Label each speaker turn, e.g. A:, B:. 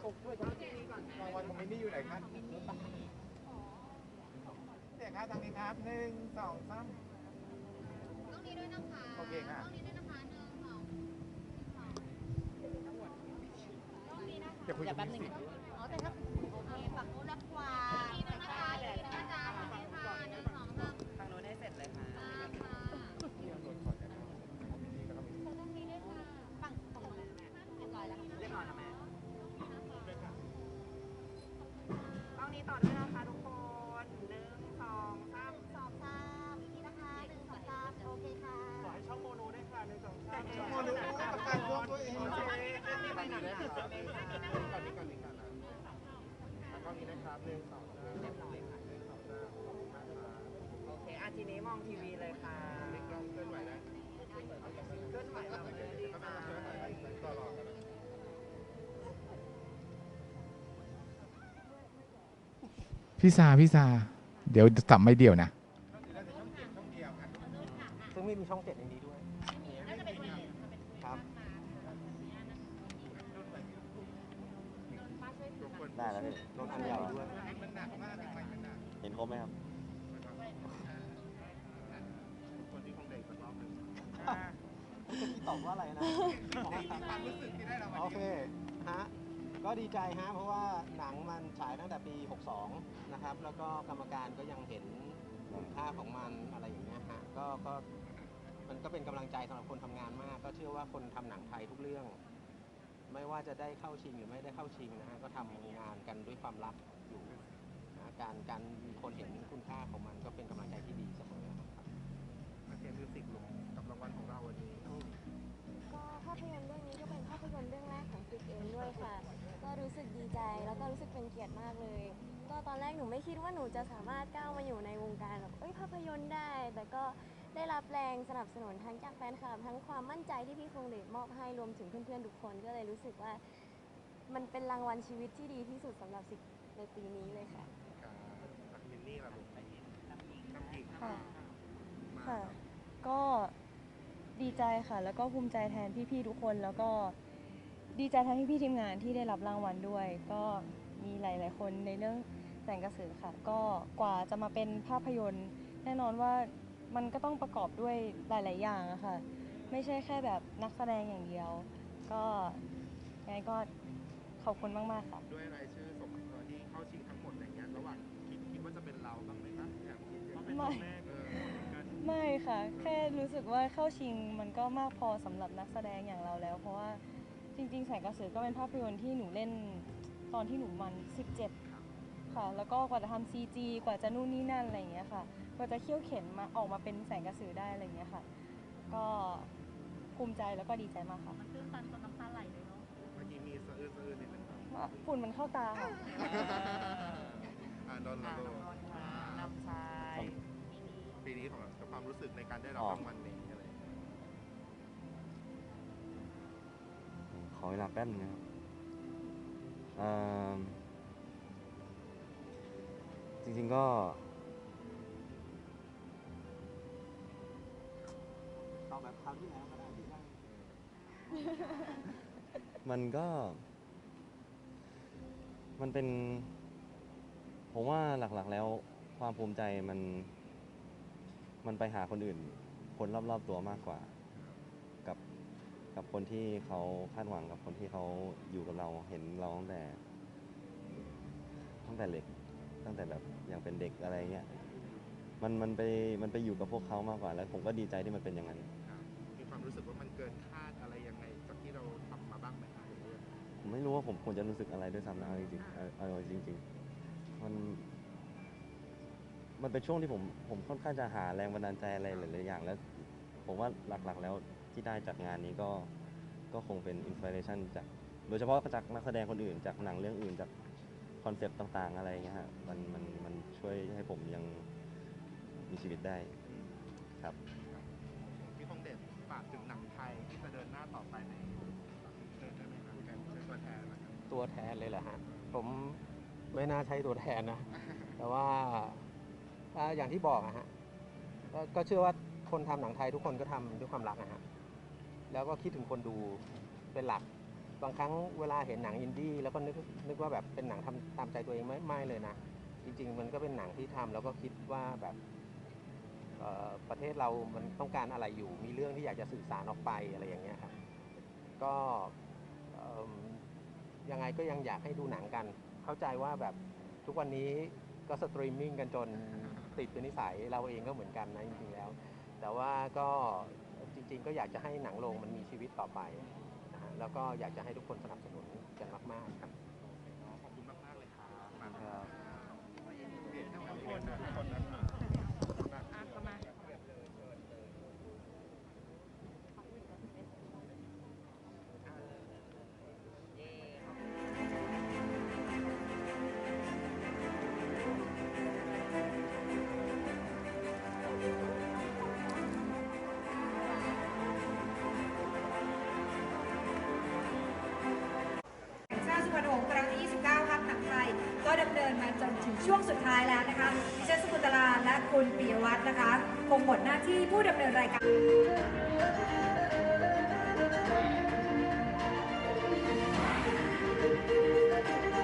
A: รางวัลของมินนี่อยู่ไหนครับเสียงครับทางนี้ครับ1 2 3
B: ต้องนี้ด้วยนะคะ
A: โอเคค่ะ
B: ต้องนี้ด้วยนะคะ1 2 3
A: เดี๋ยวคุยกับมินสิ
B: อ๋อแต่ถ้าโอเคฝั่งนู้นรับกว่านี่ด้วยนะคะนี่ด้วยนะจ๊ะโอเคค่ะ1 2 3
C: ทางโน้นให้เสร็จเลยค่ะ
B: ค่ะ
A: ที่เราโดนก่อนนะครับมินนี่แล้วก็มินนี่
B: ต้องนี้ด้วยค่ะฝั่งตรงนั้นเรียบร้อยแล้ว
C: เรียบร้อยแล้วแม่ต้องนี้ต่อด้วยนะคะทุกคน1 2 3
B: 2 3อีกทีนะคะ1 2 3โอเคค่ะ
C: ขอให้ช่องโมโนด้วยค่ะ1 2 3
A: โมโนกับการร่วมตัวเอง
C: โอเคนี่ไปไหนนะ
A: ก่อนนี้ก่อนแล้วก็นี้นะครับ1 2 3
C: เรียบร้อยค่ะโอเคทีนี้มองทีวีเลยค่ะ
A: เคลื่อนไหวได้
C: เคลื่อนไหวเราเลยดีค่ะ
A: ต่อรอกันพี่ซาเดี๋ยวสับไม่เดียวนะ
C: ซึ่งไม่มีช่อง7ในนี้ด้วยครับได้แล้วพี่รถอันใหญ่ด้วยเห็นครบไหมครับพี่ตอบว่าอะไรนะ
A: ความรู้สึกที่ได้รางวัล
D: โอเคฮะก็ดีใจฮะเพราะว่าหนังมันฉายตั้งแต่ปี 62 นะครับ แล้วก็กรรมการก็ยังเห็นคุณค่าของมันอะไรอย่างเงี้ยฮะก็มันก็เป็นกำลังใจสำหรับคนทำงานมาก ก็เชื่อว่าคนทำหนังไทยทุกเรื่อง ไม่ว่าจะได้เข้าชิงหรือไม่ได้เข้าชิงนะฮะก็ทำงานกันด้วยความรักอยู่นะการมีคนเห็นคุณค่าของมันก็เป็นกำลังใจที่ดีเสมอครับ
A: มาเขียนมิวสิกลงกับรางวัลของเราวันนี้
E: ก็ภาพยนตร์เรื่องนี้ก็เป็นภาพยนตร์เรื่องแรกของฟิกเองด้วยค่ะ ก็รู้สึกดีใจแล้วก็รู้สึกเป็นเกียรติมากเลย ก็ตอนแรกหนูไม่คิดว่าหนูจะสามารถก้าวมาอยู่ในวงการแบบภาพยนตร์ได้ แต่ก็ได้รับแรงสนับสนุนทั้งจากแฟนคลับทั้งความมั่นใจที่พี่คงเดชมอบให้รวมถึงเพื่อนๆทุกคนก็เลยรู้สึกว่ามันเป็นรางวัลชีวิตที่ดีที่สุดสำหรับฟิกในปีนี้เลยค่ะ
A: มินนี่ล่ะลูกน้ำหญิง
F: ค่ะค่ะ ก็ดีใจค่ะ แล้วก็ภูมิใจแทนพี่ๆทุกคน แล้วก็ดีใจแทนพี่ๆทีมงานที่ได้รับรางวัลด้วย ก็มีหลายๆคนในเรื่องแสงกระสือค่ะ ก็กว่าจะมาเป็นภาพยนตร์ แน่นอนว่ามันก็ต้องประกอบด้วยหลายๆอย่างอะค่ะ ไม่ใช่แค่แบบนักแสดงอย่างเดียว ก็ยังไงก็ขอบคุณมากๆค่ะ
A: ด้วยรายชื่อสมที่เข้าชิงทั้งหมดอะไรเงี้ยระหว่างคิดว่าจะเป็นเราบ้างไหมครับอย่างเขาเป็นตัวแรก
F: ไม่ค่ะ แค่รู้สึกว่าเข้าชิงมันก็มากพอสำหรับนักแสดงอย่างเราแล้ว เพราะว่าจริงๆแสงกระสือก็เป็นภาพยนตร์ที่หนูเล่นตอนที่หนูมัน17ค่ะ แล้วก็กว่าจะทำ CG กว่าจะนู่นนี่นั่นอะไรอย่างเงี้ยค่ะ กว่าจะเขี่ยวเข็นมาออกมาเป็นแสงกระสือได้อะไรอย่างเงี้ยค่ะ ก็ภูมิใจแล้วก็ดีใจมากค่ะ
B: มันตื้นตันจนน้ำตาไหลเลยเนาะ
A: เมื่อกี้มีสะอื้นนิดนึง
F: ฝุ่นมันเข้าตาค่ะ
A: โดน
C: ค่ะ
A: โด
C: น้อง
A: น
C: นนท์ค่ะนำชาย
A: ปีนี้ของความรู้สึกในการได้รับรางวัลนี้อะไร
G: ขอเวลาแป๊บนึงนะครับจริงๆก็
D: เอาแบบคราวที่แล้วก็ได้ที่ได้
G: มันก็มันเป็นผมว่าหลักๆแล้วความภูมิใจมันไปหาคนอื่น คนรอบๆตัวมากกว่า กับคนที่เขาคาดหวังกับคนที่เขาอยู่กับเราเห็นเราตั้งแต่เด็กตั้งแต่แบบยังเป็นเด็กอะไรเงี้ยมันไปอยู่กับพวกเขามากกว่าแล้วผมก็ดีใจที่มันเป็นอย่างนั้น
A: มีความรู้สึกว่ามันเกินคาดอะไรยังไงจากที่เราทำมาบ้างไหมครับ
G: ผมไม่รู้ว่าผมควรจะรู้สึกอะไรด้วยซ้ำนะจริงๆเอาจริงๆมันเป็นช่วงที่ผมค่อนข้างจะหาแรงบันดาลใจอะไรหลายๆอย่างแล้วผมว่าหลักๆแล้วที่ได้จากงานนี้ก็คงเป็นอินสปิเรชันจากโดยเฉพาะจากนักแสดงคนอื่นจากหนังเรื่องอื่นจากคอนเซปต์ต่างๆอะไรเงี้ยฮะมันช่วยให้ผมยังมีชีวิตได้ครับ
A: พี่คงเด่นฝากถึงหนังไทยที่จะเดินหน้าต่อไปในเดินได้ไหมครับเป็นตัวแทนนะครับ
D: ตัวแทนเลยแหละฮะผมไม่น่าใช้ตัวแทนนะ แต่ว่าอย่างที่บอกอะฮะก็เชื่อว่าคนทำหนังไทยทุกคนก็ทำด้วยความรักนะฮะแล้วก็คิดถึงคนดูเป็นหลักบางครั้งเวลาเห็นหนังอินดี้แล้วก็นึกว่าแบบเป็นหนังทำตามใจตัวเองไม่เลยนะ จริงๆมันก็เป็นหนังที่ทำแล้วก็คิดว่าแบบประเทศเรามันต้องการอะไรอยู่มีเรื่องที่อยากจะสื่อสารออกไปอะไรอย่างเงี้ยครับก็ยังไงก็ยังอยากให้ดูหนังกัน เข้าใจว่าแบบทุกวันนี้ก็สตรีมมิ่งกันจนติดเป็นนิสัยเราเองก็เหมือนกันนะจริงๆแล้ว แต่ว่าก็จริงๆก็อยากจะให้หนังโรงมันมีชีวิตต่อไปนะฮะแล้วก็อยากจะให้ทุกคนสนับสนุนกันมากๆครับ
A: ขอบคุณมากๆเลยครับมา
D: ครับ
A: เปลี่ยนทุกคนนะครับ
H: ชาติสุวรรณหงส์ครั้งที่ 29 ครับหนังไทยก็ดำเนินมาจนถึงช่วงสุดท้ายแล้วนะคะดิฉันสกุลตลาและคุณปิยวัฒน์นะคะคงหมดหน้าที่ผู้ดำเนินรายการ